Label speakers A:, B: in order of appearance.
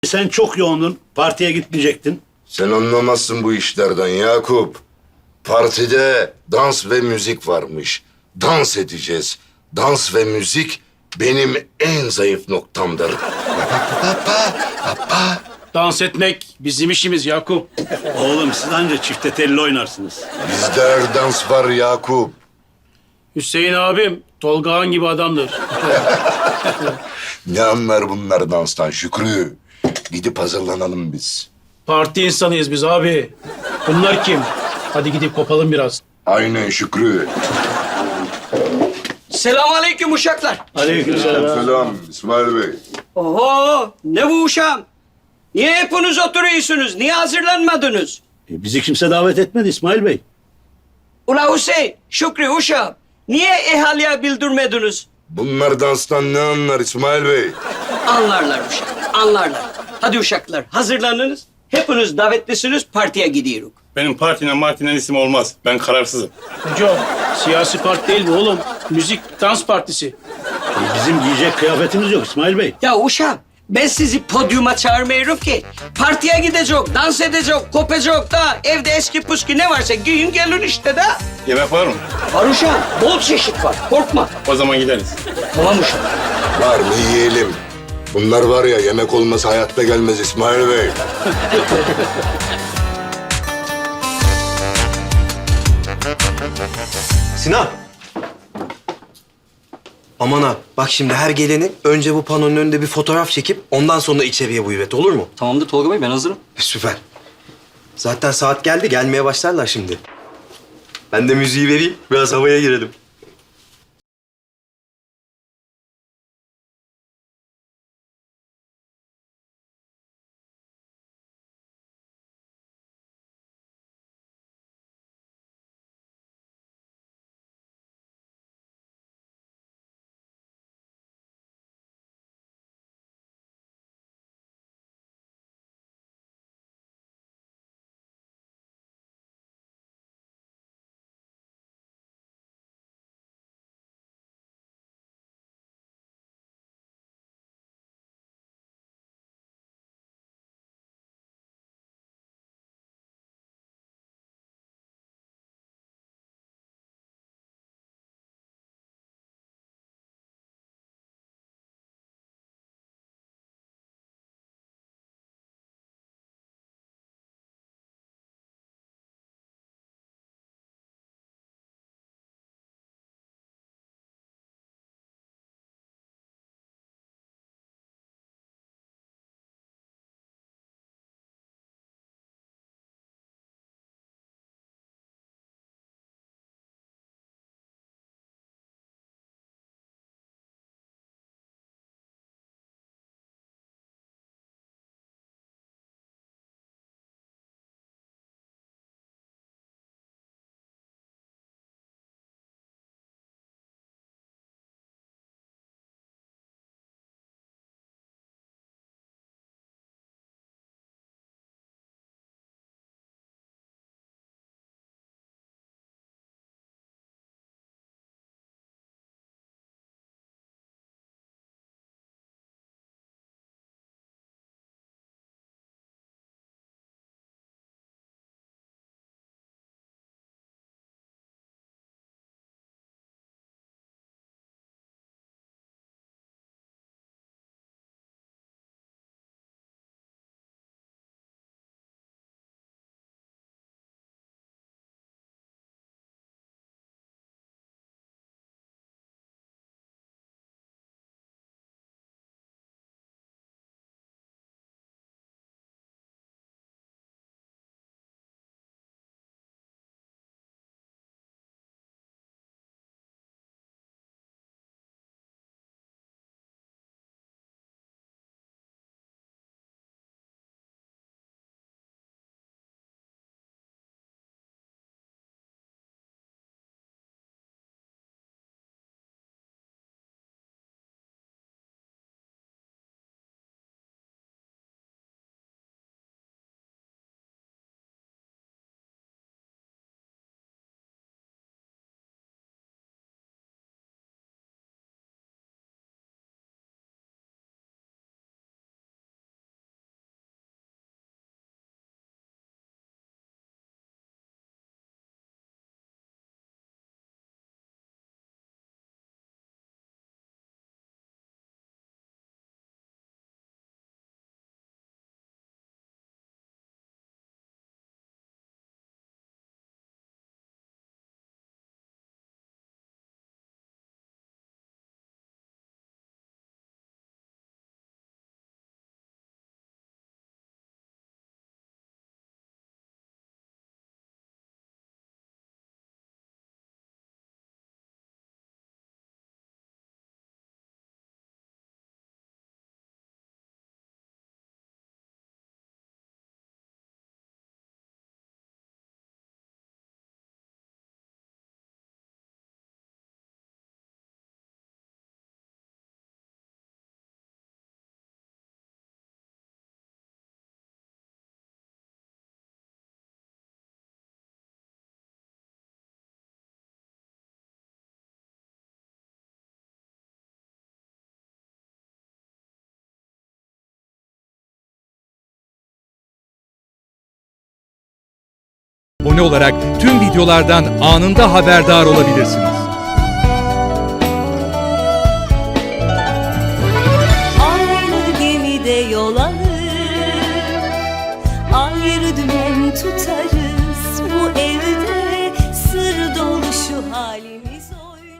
A: Sen çok yoğundun, partiye gitmeyecektin.
B: Sen anlamazsın bu işlerden Yakup. Partide dans ve müzik varmış. Dans edeceğiz. Dans ve müzik benim en zayıf noktamdır.
C: Dans etmek bizim işimiz Yakup.
A: Oğlum siz anca çifte telli oynarsınız.
B: Bizde her dans var Yakup.
C: Hüseyin abim Tolga Han gibi adamdır.
B: Ne anlar bunlar danstan Şükrü? Gidip hazırlanalım biz.
C: Parti insanıyız biz abi. Bunlar kim? Hadi gidip kopalım biraz.
B: Aynen Şükrü.
D: Selamünaleyküm uşaklar.
A: Aleykümselam.
B: Selam İsmail Bey.
D: Oho, ne bu uşağım? Niye hepiniz oturuyorsunuz? Niye hazırlanmadınız?
A: Bizi kimse davet etmedi İsmail Bey.
D: Ula Hüseyin, Şükrü uşağım. Niye ehaliye bildirmediniz?
B: Bunlar danstan ne anlar İsmail Bey?
D: Anlarlar uşak, anlarlar. Hadi uşaklar, hazırlanınız. Hepiniz davetlisiniz, partiye gidiyoruz.
E: Benim partinin isim olmaz. Ben kararsızım.
C: Hocam siyasi parti değil bu oğlum. Müzik dans partisi.
A: Bizim giyecek kıyafetimiz yok İsmail Bey.
D: Ya uşağım, ben sizi podyuma çağırmıyorum ki. Partiye gidecek, dans edecek, kopacak da evde eski püskü ne varsa giyin gelin işte de.
E: Yemek var mı?
D: Var uşağım, bol çeşit var, korkma.
E: O zaman gideriz.
D: Tamam uşağım.
B: Var mı yiyelim? Bunlar var ya yemek olmasa hayatta gelmez İsmail Bey.
F: Sinan. Aman ha, bak şimdi her geleni önce bu panonun önünde bir fotoğraf çekip ondan sonra içeriye buyur et, olur mu?
G: Tamamdır Tolga Bey, ben hazırım.
F: Süper. Zaten saat geldi, gelmeye başlarlar şimdi. Ben de müziği vereyim, biraz havaya girelim.
G: abone olarak tüm videolardan anında haberdar olabilirsiniz.